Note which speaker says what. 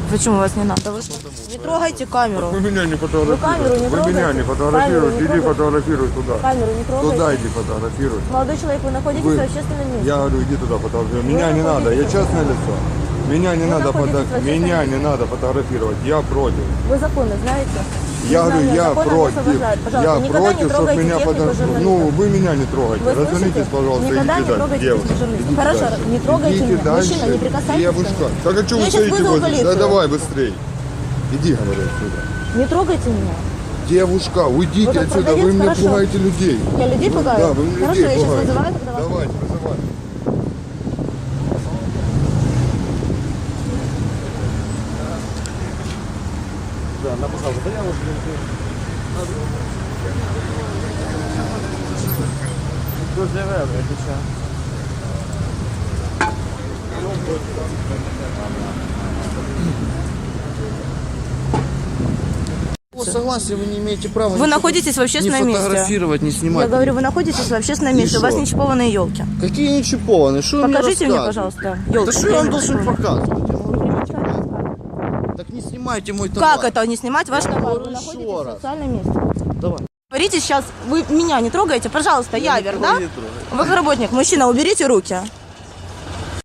Speaker 1: Почему вас не надо? Вы что? Не трогайте камеру.
Speaker 2: Вы меня не
Speaker 1: Вы камеру не
Speaker 2: фотографируете. Вы меня не фотографируете. Иди фотографируй туда.
Speaker 1: Камеру не трогайте.
Speaker 2: Туда иди фотографируй.
Speaker 1: Молодой человек, вы находитесь
Speaker 2: Вы-
Speaker 1: в общественном месте.
Speaker 2: Я говорю, иди туда фотографируй. Меня не надо, я частное лицо. Меня не надо меня не надо фотографировать. Я против.
Speaker 1: Вы законы знаете?
Speaker 2: Я говорю, я
Speaker 1: Закон нас
Speaker 2: против.
Speaker 1: освобождает. Пожалуйста,
Speaker 2: Я
Speaker 1: никогда не
Speaker 2: против, чтобы
Speaker 1: трогайте
Speaker 2: меня
Speaker 1: технику журналистов.
Speaker 2: Ну, вы меня не трогайте.
Speaker 1: Вы
Speaker 2: Развернитесь,
Speaker 1: слышите?
Speaker 2: пожалуйста,
Speaker 1: Никогда
Speaker 2: идите
Speaker 1: не
Speaker 2: дальше.
Speaker 1: трогайте
Speaker 2: Девушка,
Speaker 1: журналистов.
Speaker 2: идите
Speaker 1: Хорошо,
Speaker 2: дальше.
Speaker 1: не трогайте
Speaker 2: Идите
Speaker 1: меня.
Speaker 2: дальше.
Speaker 1: Мужчина, не прикасайтесь
Speaker 2: Девушка,
Speaker 1: ко мне.
Speaker 2: так а что
Speaker 1: Я
Speaker 2: вы
Speaker 1: сейчас
Speaker 2: стоите
Speaker 1: вызову
Speaker 2: возле?
Speaker 1: полицию.
Speaker 2: Да давай быстрей. Иди, говорю, отсюда.
Speaker 1: Не трогайте меня.
Speaker 2: Девушка, уйдите
Speaker 1: Вы как
Speaker 2: отсюда,
Speaker 1: продавец,
Speaker 2: вы меня
Speaker 1: хорошо.
Speaker 2: пугаете людей.
Speaker 1: Я людей пугаю?
Speaker 2: Да, вы меня
Speaker 1: Хорошо,
Speaker 2: людей
Speaker 1: я сейчас
Speaker 2: пугаете.
Speaker 1: вызываю тогда вас.
Speaker 2: Давайте, вызывайте.
Speaker 3: Да, написал заяву, что заявляю, отвечаю. Согласен, вы не имеете права.
Speaker 1: Вы
Speaker 3: ничего
Speaker 1: находитесь в общественном
Speaker 3: не
Speaker 1: месте.
Speaker 3: фотографировать, не снимать.
Speaker 1: Я говорю, вы находитесь в общественном
Speaker 3: И
Speaker 1: месте, у вас
Speaker 3: шо?
Speaker 1: не чипованные елки.
Speaker 3: Какие не чипованные? Что вы
Speaker 1: Покажите мне,
Speaker 3: рассказываете?
Speaker 1: пожалуйста,
Speaker 3: Да
Speaker 1: елки.
Speaker 3: что я вам должен показывать? Так не снимайте мой товар.
Speaker 1: Как это не снимать ваш товар?
Speaker 3: говорю
Speaker 1: Вы
Speaker 3: еще
Speaker 1: находитесь в
Speaker 3: раз.
Speaker 1: социальном месте.
Speaker 3: Давай.
Speaker 1: Говорите сейчас, вы меня не трогаете, пожалуйста, Явер, да?
Speaker 3: не трогаю.
Speaker 1: Вы работник, мужчина, уберите руки.